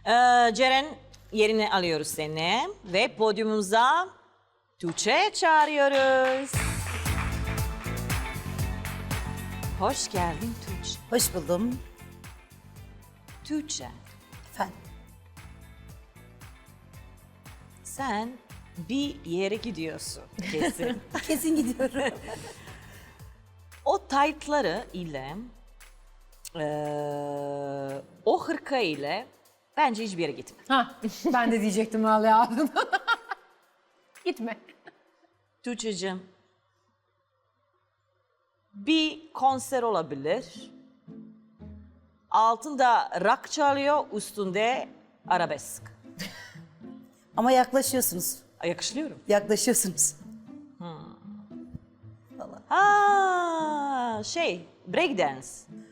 Ceren yerini alıyoruz seni ve podyumumuza Tuğçe çağırıyoruz. Hoş geldin Tuğçe. Hoş buldum. Tuğçe, Efendim. sen bir yere gidiyorsun kesin. Kesin gidiyorum. O taytları ile o hırka ile bence hiçbir yere gitme. Ha, ben de diyecektim vallahi ağzım. Gitme. Tuğçe'cim, bir konser olabilir. Altında rock çalıyor, üstünde arabesk. Ama yaklaşıyorsunuz. Yakışlıyorum. Yaklaşıyorsunuz. Ha, breakdance,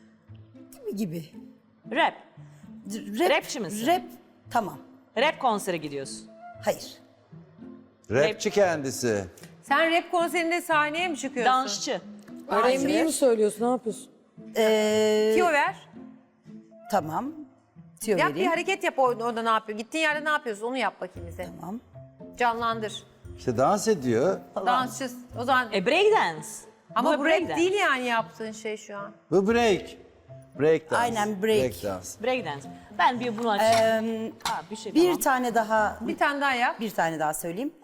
Gibi. rap. Rap, Rapçi misin? Rap, tamam. Rap konsere gidiyorsun. Hayır. Rapçi kendisi. Sen rap konserinde sahneye mi çıkıyorsun? Dansçı. R&B'yi mi söylüyorsun? Ne yapıyorsun? Tiyo ver. Tamam. Tüyo Yap bir vereyim. hareket yap orada ne yapıyor? Gittiğin yerde ne yapıyorsun? Onu yap bakayım bize. Tamam. Canlandır. İşte dans ediyor. Dansçı. O zaman Breakdance. ama bu rap breakdance. değil yani yaptığın şey şu an. Bu break. Break dance. Aynen, break. Break dance. Breakdance. Ben bir bunu açayım. Bir şey Bir tamam. tane daha, Bir tane daha yap. bir tane daha söyleyeyim.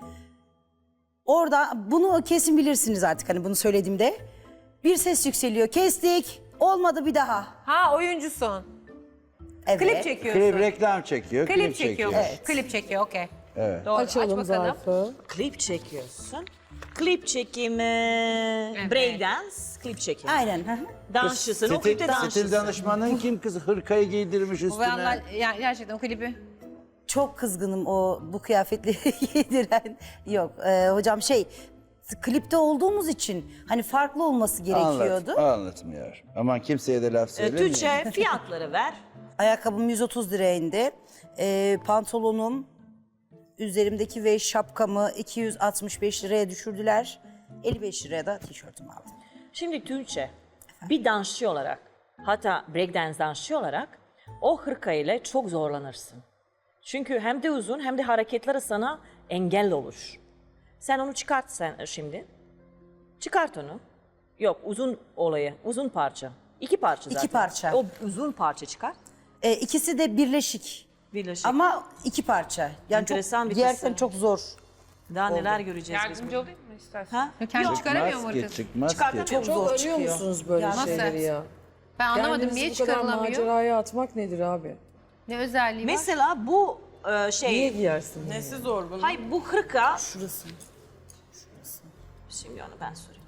Orada bunu kesin bilirsiniz artık hani bunu söylediğimde. Bir ses yükseliyor. Kestik. Olmadı bir daha. Ha oyuncusun. Evet. Klip çekiyorsun. Klip reklam çekiyor. Klip çekiyor. Evet. Klip çekiyor okey. Doğru. Açalım Aç bakalım. zarfı. Klip çekiyorsun. Klip çekimi, breakdance, klip çekimi. Aynen. hı hı. Dansçısın, o klipte Stil dansçısın. danışmanın kim kızı hırkayı giydirmiş Bu üstüne. yandan yani gerçekten o klibi. Çok kızgınım bu kıyafetleri giydiren. Yok hocam klipte olduğumuz için hani farklı olması gerekiyordu. Anlatmıyor. Aman kimseye de laf söylemiyor. Tuğçe fiyatları ver. Ayakkabım 130 liraya indi. Pantolonum, üzerimdeki ve şapkamı 265 liraya düşürdüler. 55 liraya da tişörtümü aldım. Şimdi Tuğçe, bir dansçı olarak, hatta breakdance dansçı olarak o hırka ile çok zorlanırsın. Çünkü hem de uzun hem de hareketleri sana engel olur. Sen onu çıkart sen şimdi. Çıkart onu. Yok uzun olayı, uzun parça. İki parça zaten. İki parça. O uzun parça çıkart. İkisi de birleşik. Birleşik. Ama iki parça. Yani Enteresan çok, bir giyerken tasarım. çok zor. Daha neler göreceğiz biz. Yardımcı olayım mı istersen? Ha? Kendi çıkaramıyor mu Çıkmaz ki, hırkası? çıkmaz ki. Çıkartamıyor. Çok Çok zor arıyor çıkıyor. musunuz böyle Nasıl? şeyleri ya? Ben anlamadım Kendinizi niye bu kadar çıkarılamıyor? maceraya atmak nedir abi? Ne özelliği var? Mesela bu Niye giyersin bunu? Nesi zor bunun? hayır bu hırka. Şurası. Şimdi onu ben sorayım.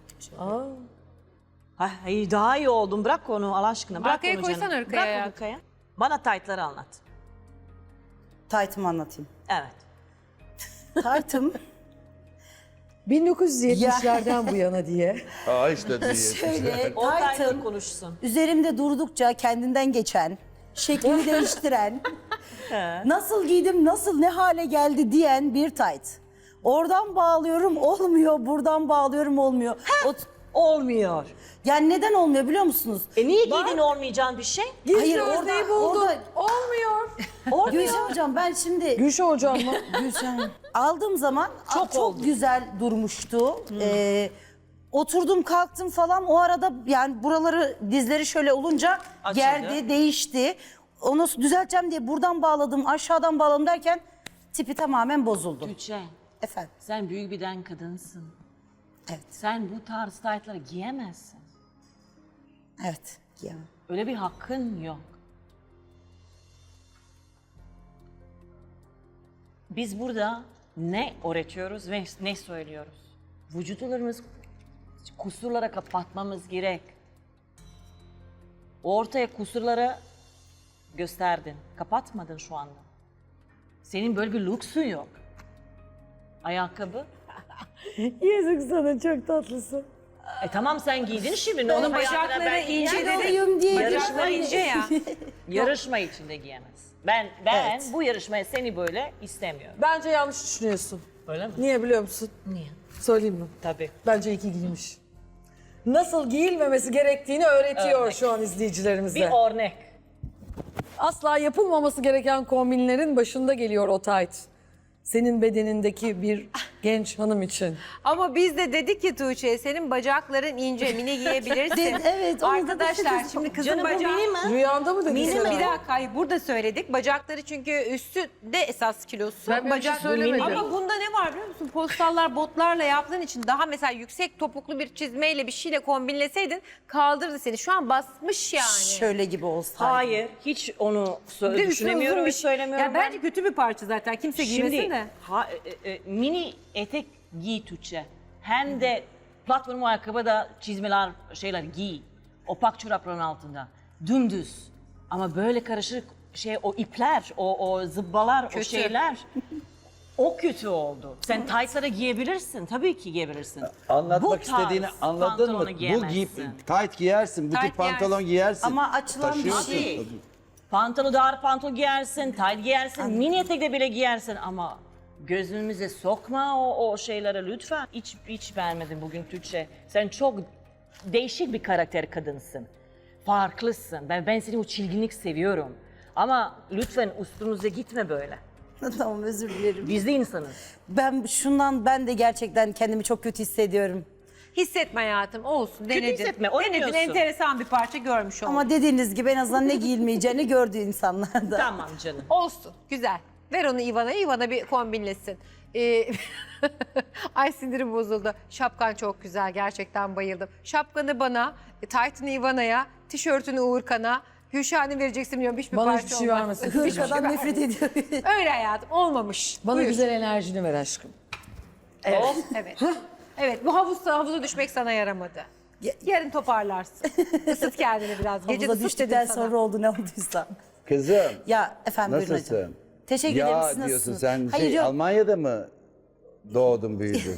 Aa, Hayır daha iyi oldum. Bırak onu Allah aşkına. Bırak Arkaya onu koysana canım. hırkayı Bırak o ya. hırkayı. Bana taytları anlat. Taytımı anlatayım. Evet. Taytım 1970'lerden bu yana diye. İşte diye. şöyle, O taytları taytım konuşsun. üzerimde durdukça kendinden geçen, şeklini değiştiren, nasıl giydim, nasıl ne hale geldi diyen bir tayt. Oradan bağlıyorum olmuyor, buradan bağlıyorum olmuyor. Olmuyor. Yani neden olmuyor biliyor musunuz? Niye giydin olmayacağın bir şey? Hayır Özdeği buldum. orada Gülşen hocam ben şimdi Gülşah hocam mı? Gülşen aldığım zaman çok oldu. güzel durmuştu. Oturdum kalktım falan o arada yani buraları dizleri şöyle olunca Açıldı. gerdi değişti. Onu düzelteceğim diye buradan bağladım aşağıdan bağladım derken tipi tamamen bozuldu. Tuğçe, Efendim sen büyük bir den kadınsın. evet Sen bu tarz taytları giyemezsin. evet giyemem. Öyle bir hakkın yok. Biz burada ne öğretiyoruz ve ne söylüyoruz? Vücutlarımız kusurlara kapatmamız gerek. Ortaya kusurları gösterdin. Kapatmadın şu anda. Senin böyle bir lüksün yok. Ayakkabı. Yazık sana, çok tatlısın. Tamam sen giydin şimdi. Ne onun Bacakları ince dedi. Oyum diye Bacakları ince ya. Yarışma içinde giyemez. Ben Evet. bu yarışmaya seni böyle istemiyorum. Bence yanlış düşünüyorsun. Öyle mi? Niye biliyor musun? Niye? Söyleyeyim mi? Tabii. Bence iyi ki giymiş. Nasıl giyilmemesi gerektiğini öğretiyor Örnek. şu an izleyicilerimize. Bir örnek. Asla yapılmaması gereken kombinlerin başında geliyor o tayt. Senin bedenindeki bir genç hanım için. Ama biz de dedik ki Tuğçe senin bacakların ince mini giyebilirsin. Evet, onu da Arkadaşlar dedim. şimdi kızın Canım bu bacağı... mini mi? Rüyanda mı dedin Mini sen? mi? Bir dakika hayır, burada söyledik. Bacakları çünkü üstü de esas kilosu. Ben böyle bir şey söylemedim. Ama bunda ne var biliyor musun? Postallar botlarla yaptığın için daha mesela yüksek topuklu bir çizmeyle bir şeyle kombinleseydin kaldırdı seni. Şu an basmış yani. Şöyle gibi olsaydı. Hayır, hiç onu Bir de üstüne düşünemiyorum uzun ve bir şey. söylemiyorum. Ya bence kötü bir parça zaten. Kimse giymesin Şimdi de. mini etek giy Tuğçe. Hem de platform ayakkabı da çizmeler şeyler giy. Opak çorapların altında. Dümdüz. Ama böyle karışık o ipler, o zıbbalar, o Kötü. şeyler. O kötü oldu. Sen taytlara giyebilirsin. Tabii ki giyebilirsin. Anlatmak Bu tarz istediğini anladın mı? pantolonu Bu giyemezsin. tayt giyersin, bu Tayt tip pantolon giyersin. Ama açılan bir Taşıyorsun. şey. Pantolon, dar pantolon giyersin, tayt giyersin, mini etek de bile giyersin ama gözümüze sokma o şeylere lütfen. Hiç beğenmedim bugün Tuğçe. Sen çok değişik bir karakter kadınsın. Farklısın. Ben seni o çilginlik seviyorum. Ama lütfen üstümüze gitme böyle. Tamam, özür dilerim. Biz de insanız. Ben de gerçekten kendimi çok kötü hissediyorum. Hissetme hayatım olsun. Denedin. hissetme, Denedin, oynuyorsun. enteresan bir parça görmüş oldun. Ama dediğiniz gibi en azından ne giyilmeyeceğini gördü insanlar da. Tamam canım. Olsun, güzel. Ver onu Ivan'a, Ivana bir kombinlesin. Ay sinirim bozuldu. Şapkan çok güzel, gerçekten bayıldım. Şapkanı bana, taytını Ivana'ya, tişörtünü Uğurkan'a, Hüşan'ı vereceksin bilmiyorum hiçbir Bana parça hiçbir şey olmaz. vermesin. Hiçbir şey Hırkadan nefret ediyorum. Öyle hayatım, olmamış. Bana Buyur. güzel enerjini ver aşkım. Evet. Evet, bu havuza düşmek sana yaramadı. Yarın toparlarsın. Isıt kendini biraz. Gece Havuza ısıt düştükten dedim sana. sonra oldu ne olduysa. Kızım, Ya efendim buyurun hocam. nasılsın? Teşekkür ederim. Ya Siz diyorsun nasılsınız? sen Hayır yok. Almanya'da mı doğdun büyüdün?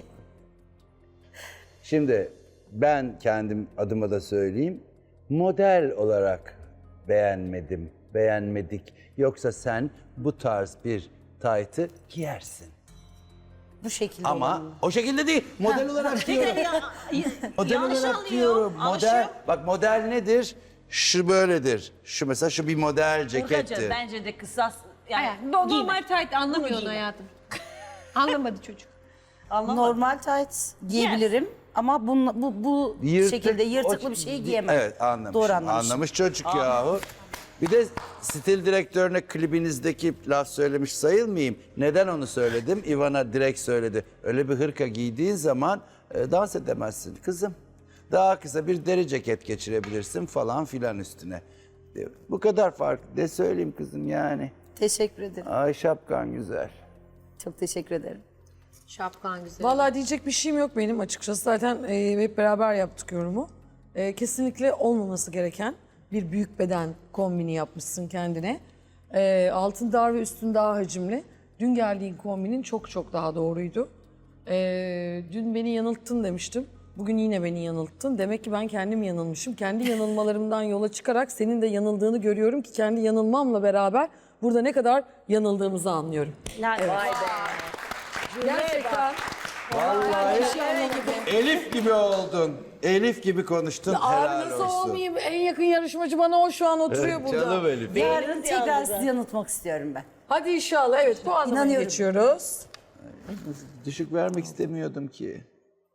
Şimdi ben kendim adıma da söyleyeyim. Model olarak beğenmedik. Yoksa sen bu tarz bir taytı giyersin. Bu şekilde Ama olanı. o şekilde değil. Model olarak diyorum. Model olarak diyorum. Model. Bak model nedir? Şu böyledir. Şu mesela şu bir model cekettir. Burkacığım bence de kısas yani Hayır, giyme. normal tayt anlamıyor Bunu onu giyme. hayatım. Anlamadı çocuk. Anlamadım. Normal tights giyebilirim ama bu şekilde yırtıklı bir şeyi giyemem. Evet anlamış. Doğru anlamışım. Anlamış çocuk yahu. Bir de stil direktörüne klibinizdeki laf söylemiş sayılmayayım. Neden onu söyledim? Ivana direkt söyledi. Öyle bir hırka giydiğin zaman dans edemezsin kızım. Daha kısa bir deri ceket geçirebilirsin falan filan üstüne. Bu kadar fark. Ne söyleyeyim kızım yani. Teşekkür ederim. Ay şapkan güzel. Çok teşekkür ederim. Şapkan güzel. Vallahi diyecek bir şeyim yok benim açıkçası. Zaten hep beraber yaptık yorumu. Kesinlikle olmaması gereken bir büyük beden kombini yapmışsın kendine. Altın dar ve üstün daha hacimli. Dün geldiğin kombinin çok daha doğruydu. Dün beni yanılttın demiştim. Bugün yine beni yanılttın. Demek ki ben kendim yanılmışım. Kendi yanılmalarımdan yola çıkarak senin de yanıldığını görüyorum ki kendi yanılmamla beraber burada ne kadar yanıldığımızı anlıyorum. Vay be. Gerçekten. Elif gibi oldun. Elif gibi konuştun. Abi Helal nasıl olsun. olmayayım? En yakın yarışmacı bana o şu an oturuyor burada. Canım Elif. Yarın tekrar sizi yanıltmak istiyorum ben. Hadi inşallah. Evet bu anlamaya İnanıyorum. geçiyoruz. Düşük vermek istemiyordum ki.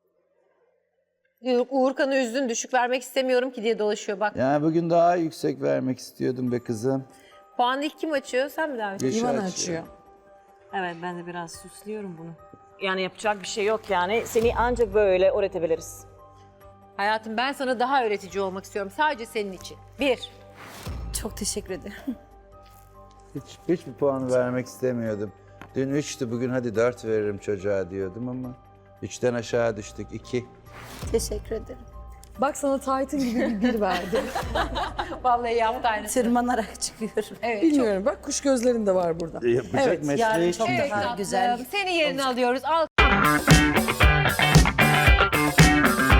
Uğurkan'ı üzdün, düşük vermek istemiyorum ki diye dolaşıyor bak. Yani bugün daha yüksek vermek istiyordum be kızım. Puanı ilk kim açıyor? Sen mi davet ediyorsun? Yaşı İvan açıyor. açıyor. Evet ben de biraz süslüyorum bunu. Yani yapacak bir şey yok yani. Seni ancak böyle öğretebiliriz. Hayatım ben sana daha öğretici olmak istiyorum. Sadece senin için. 1. Çok teşekkür ederim. Hiçbir puan vermek istemiyordum. Dün 3'tü, bugün hadi 4 veririm çocuğa diyordum ama 3'ten aşağı düştük 2. Teşekkür ederim. Bak sana Titan gibi bir verdi. Vallahi yaptı aynı. Tırmanarak çıkıyorum. Evet, Bilmiyorum bak kuş gözlerin de var burada. Yapacak Evet, mesleği yarın çok için. daha tatlım. güzel. Seni yerine alıyoruz. Al.